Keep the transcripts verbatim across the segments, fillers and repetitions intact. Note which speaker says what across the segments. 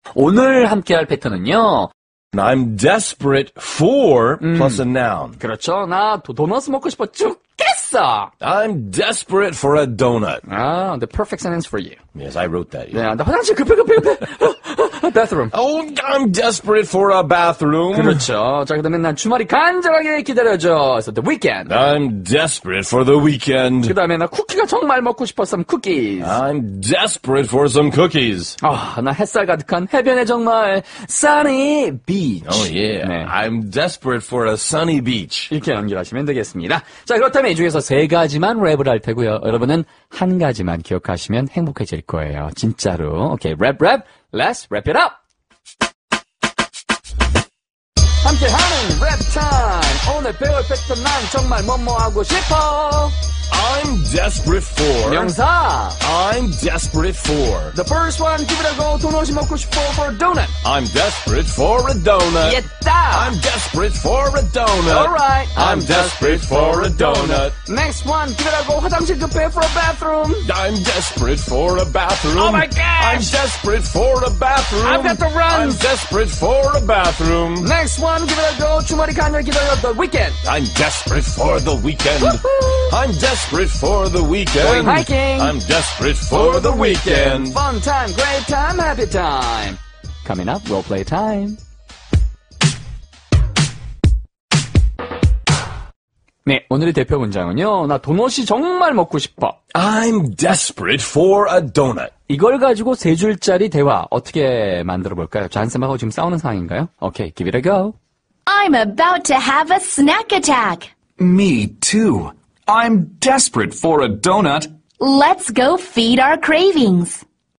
Speaker 1: 오늘 함께할 패턴은요.
Speaker 2: I'm desperate for
Speaker 1: 음.
Speaker 2: plus a noun.
Speaker 1: 그렇죠. 나 도, 도넛 먹고 싶어 죽겠어.
Speaker 2: I'm desperate for a donut.
Speaker 1: 아, the perfect sentence for you.
Speaker 2: Yes, I wrote that.
Speaker 1: 네, 나 화장실 급해 급해 급해. bathroom.
Speaker 2: Oh, I'm desperate for a bathroom.
Speaker 1: 그렇죠. 자, 그다음에 난 주말이 간절하게 기다려져. So the weekend.
Speaker 2: I'm desperate for the weekend.
Speaker 1: 그다음에 나 쿠키가 정말 먹고 싶어. some cookies.
Speaker 2: I'm desperate for some cookies.
Speaker 1: 아, 나 햇살 가득한 해변에 정말 sunny beach.
Speaker 2: Oh, yeah.
Speaker 1: 네.
Speaker 2: I'm desperate for a sunny beach.
Speaker 1: 이렇게 연결하시면 되겠습니다. 자, 그렇다면 이 중에서 세 가지만 랩을 할 테고요. 여러분은 한 가지만 기억하시면 행복해질 거예요. 진짜로. 오케이, 랩, 랩. Let's wrap it up. 함께하는 랩 타임. 오늘 배울 패턴 난 정말 뭐뭐 하고 싶어.
Speaker 2: I'm desperate for.
Speaker 1: 명사.
Speaker 2: I'm desperate for.
Speaker 1: The first one, give it a go. 도넛이 먹고 싶어 for a donut.
Speaker 2: I'm desperate for a donut.
Speaker 1: 됐다.
Speaker 2: I'm desperate for a donut.
Speaker 1: Alright.
Speaker 2: I'm desperate for a donut.
Speaker 1: Next one, give it a go. 화장실 급해 for a bathroom.
Speaker 2: I'm desperate for a bathroom.
Speaker 1: Oh my gosh.
Speaker 2: I'm desperate for a bathroom.
Speaker 1: I've got to run.
Speaker 2: I'm desperate for a bathroom.
Speaker 1: Next one, give it a go. 주말이 간절 기다려 the weekend.
Speaker 2: I'm desperate for the weekend.
Speaker 1: Woohoo.
Speaker 2: I'm desperate for the weekend.
Speaker 1: Going hiking.
Speaker 2: I'm desperate for the weekend.
Speaker 1: Fun time, great time, happy time. Coming up, role play time. 네, 오늘의 대표 문장은요. 나 도넛이 정말 먹고 싶어.
Speaker 2: I'm desperate for a donut.
Speaker 1: 이걸 가지고 세 줄짜리 대화 어떻게 만들어 볼까요? 잔쌤하고 지금 싸우는 상황인가요? 오케이, give it a go.
Speaker 3: I'm about to have a snack attack.
Speaker 4: Me too. I'm desperate for a donut.
Speaker 3: Let's go feed our cravings.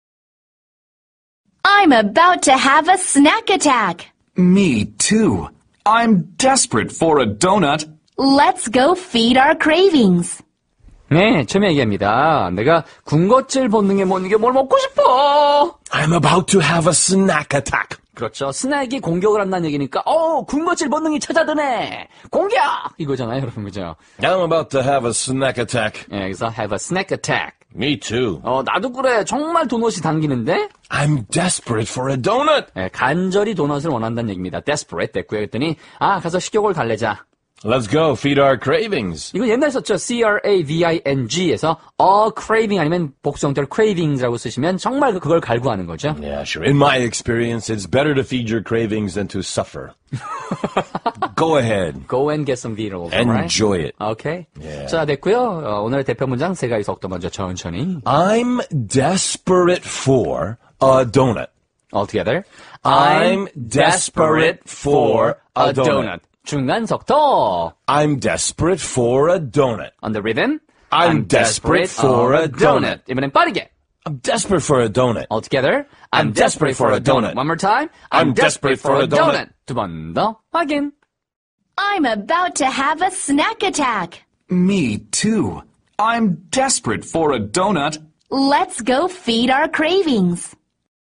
Speaker 3: I'm about to have a snack attack.
Speaker 4: Me too. I'm desperate for a donut.
Speaker 3: Let's go feed our cravings.
Speaker 1: 네, 처음 얘기합니다. 내가 군것질 본능에 못 이겨 뭘 먹고 싶어.
Speaker 2: I'm about to have a snack attack.
Speaker 1: 그렇죠. 스낵이 공격을 한다는 얘기니까 어, 군것질 본능이 찾아드네. 공격! 이거잖아요, 여러분. 그죠?
Speaker 2: I'm about to have a snack attack.
Speaker 1: 네, 그래서 have a snack attack.
Speaker 2: Me too.
Speaker 1: 어, 나도 그래. 정말 도넛이 당기는데?
Speaker 2: I'm desperate for a donut.
Speaker 1: 네, 간절히 도넛을 원한다는 얘기입니다. desperate 됐고요. 그랬더니 아, 가서 식욕을 달래자.
Speaker 2: Let's go feed our cravings.
Speaker 1: 이거 옛날에 썼죠. C-R-A-V-I-N-G에서 a craving 아니면 복수 형태로 cravings라고 쓰시면 정말 그걸 갈구하는 거죠.
Speaker 2: Yeah, sure. In my experience, it's better to feed your cravings than to suffer. Go ahead.
Speaker 1: Go and get some Beatles.
Speaker 2: Enjoy
Speaker 1: right?
Speaker 2: it.
Speaker 1: 오케이.
Speaker 2: Yeah.
Speaker 1: 자, 됐고요. 어, 오늘의 대표 문장 세 가지 속도 먼저 천천히.
Speaker 2: I'm desperate for a donut.
Speaker 1: All together.
Speaker 2: I'm desperate for a donut.
Speaker 1: 중간 속도.
Speaker 2: I'm desperate for a donut.
Speaker 1: On the rhythm.
Speaker 2: I'm desperate for a donut.
Speaker 1: 이번엔 빠르게.
Speaker 2: I'm desperate for a donut.
Speaker 1: All together.
Speaker 2: I'm desperate for a donut.
Speaker 1: One more time.
Speaker 2: I'm desperate for a donut.
Speaker 1: 두 번 더 확인.
Speaker 3: I'm about to have a snack attack.
Speaker 4: Me too. I'm desperate for a donut.
Speaker 3: Let's go feed our cravings.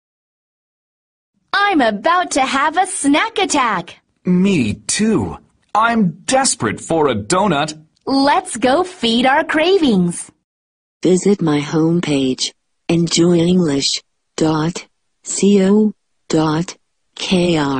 Speaker 3: I'm about to have a snack attack.
Speaker 4: Me too. I'm desperate for a donut.
Speaker 3: Let's go feed our cravings.
Speaker 5: Visit my homepage, enjoy english dot co dot k r.